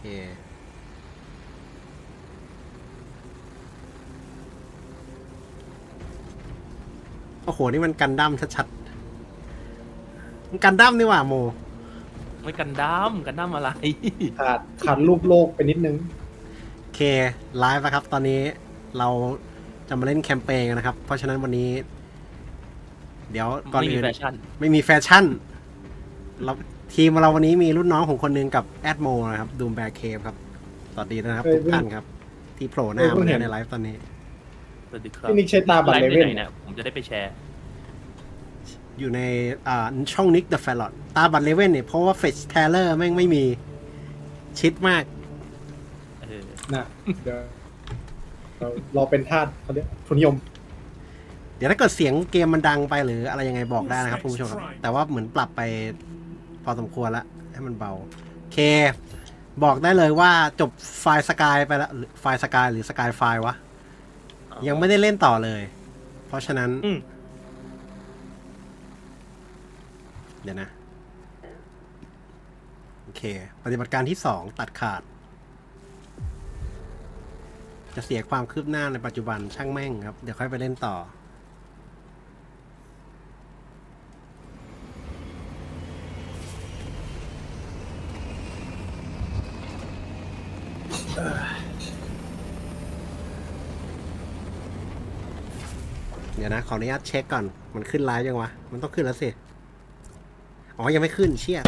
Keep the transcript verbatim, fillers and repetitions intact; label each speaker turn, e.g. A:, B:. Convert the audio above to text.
A: โอ้โหนี่มันกันดั้มชัดๆมันกันดั้มนี่หว่าโม
B: ไม่กันดั้มกันดั้มอะไร
C: ขาดขาดรูปโลกไปนิดนึง
A: โอเคไลฟ์นะครับตอนนี้เราจะมาเล่นแคมเปญกันนะครับเพราะฉะนั้นวันนี้เดี๋ยวก่อน
B: ไม่มี
A: อื่น
B: แฟชั่น
A: ไม่มีแฟชั่นเราทีมเราวันนี้มีรุ่นน้องของคนหนึงกับแอดโมนะครับดูมแบร์เคฟครับสวัสดีนะครับทุกท่านครับที่โผล่หน้ามาในไลฟ์ตอนนี้
B: สวัสดีครับ
C: พี่นิกใช้ตาบัตร
B: ไล
C: เล
B: ฟ์
C: เว่
B: ที่
C: น
B: ไหนเนี่ยผมจะได้ไปแชร์
A: อยู่ในอ่าช่องนิกเดอะแฟลตตาบัตรเลเว่นเนี่ยเพราะว่าเฟชเทเลอร์แม่งไม่มีชิดมาก
B: เออ
C: นะเดี๋ยวเรารอเป็นทาสเขาเรียกทุนนิยม
A: เดี๋ยวถ้าเกิดเสียงเกมมันดังไปหรืออะไรยังไงบอกได้นะครับคุณผู้ชมครับแต่ว่าเหมือนปรับไปพอสมควรแล้วให้มันเบาโอเคบอกได้เลยว่าจบไฟล์สกายไปแล้วหรือไฟล์สกายหรือสกายไฟล์วะยังไม่ได้เล่นต่อเลย เพราะฉะนั้น
B: อืม
A: เดี๋ยวนะ โอเค ปฏิบัติการที่สองตัดขาด จะเสียความคืบหน้าในปัจจุบันช่างแม่งครับ เดี๋ยวค่อยไปเล่นต่อ เดี๋ยวนะ ขออนุญาตเช็คก่อน มันขึ้นไลฟ์ยังวะ มันต้องขึ้นแล้วสิ อ๋อ ยังไม่ขึ้นเชี่ย